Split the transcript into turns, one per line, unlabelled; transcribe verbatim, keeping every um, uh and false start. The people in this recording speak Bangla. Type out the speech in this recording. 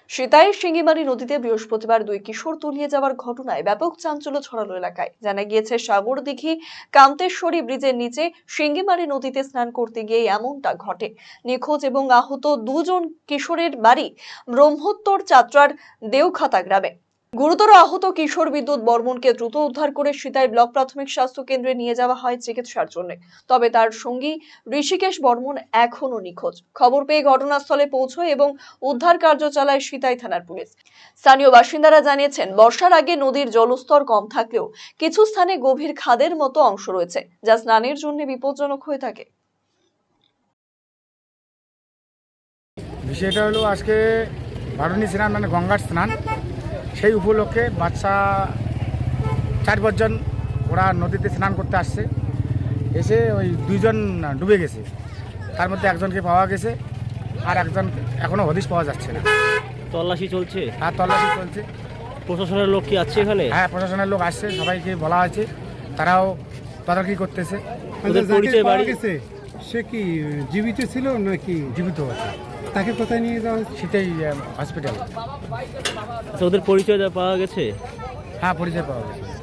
সিতাইয়ের শিঙ্গিমারি নদীতে বৃহস্পতিবার দুই কিশোর তলিয়ে যাওয়ার ঘটনায় ব্যাপক চাঞ্চল্য ছড়ালো এলাকায়। জানা গিয়েছে, সাগরদিঘি কান্তেশ্বরী ব্রিজের নিচে শিঙ্গিমারি নদীতে স্নান করতে গিয়ে এমনটা ঘটে। নিখোঁজ এবং আহত দুজন কিশোরের বাড়ি ব্রহ্মোত্তর চাত্রার দেওখাতা গ্রামে। গুরুতর আহত কিশোর বিদ্যুৎ বর্মনকে দ্রুত উদ্ধার করে সিতাই ব্লক প্রাথমিক স্বাস্থ্য কেন্দ্রে নিয়ে যাওয়া হয় চিকিৎসার জন্য। তবে তার সঙ্গী ঋষিকেশ বর্মন এখনো নিখোঁজ। খবর পেয়ে ঘটনাস্থলে পৌঁছয় এবং উদ্ধার কার্য চালায় সিতাই থানার পুলিশ। স্থানীয় বাসিন্দারা জানিয়েছেন, বর্ষার আগে নদীর জলস্তর কম থাকলেও কিছু স্থানে গভীর খাদের মতো অংশ রয়েছে, যা স্নানের জন্য বিপজ্জনক হয়ে থাকে।
বিষয়টা হলো, আজকে বারুণী স্নান মানে গঙ্গার স্নান, সেই উপলক্ষে বাচ্চা চার পাঁচজন ওরা নদীতে স্নান করতে আসছে। এসে ওই দুইজন ডুবে গেছে, তার মধ্যে একজনকে পাওয়া গেছে, আর একজন এখনো হদিশ পাওয়া যাচ্ছে না।
তল্লাশি চলছে
আর তল্লাশি চলছে।
প্রশাসনের লোক কি আছে এখানে?
হ্যাঁ, প্রশাসনের লোক আসছে, সবাইকে বলা হয়েছে, তারাও তদারকি করতেছে।
ওদের পরিচয় বাড়ি
গেছে, সে কি জীবিত ছিল নাকি?
জীবিত আছে।
তাকে কোথায় নিয়ে যাওয়া হয়েছে?
সেটাই হসপিটাল।
আচ্ছা, ওদের পরিচয় পাওয়া গেছে?
হ্যাঁ, পরিচয় পাওয়া গেছে।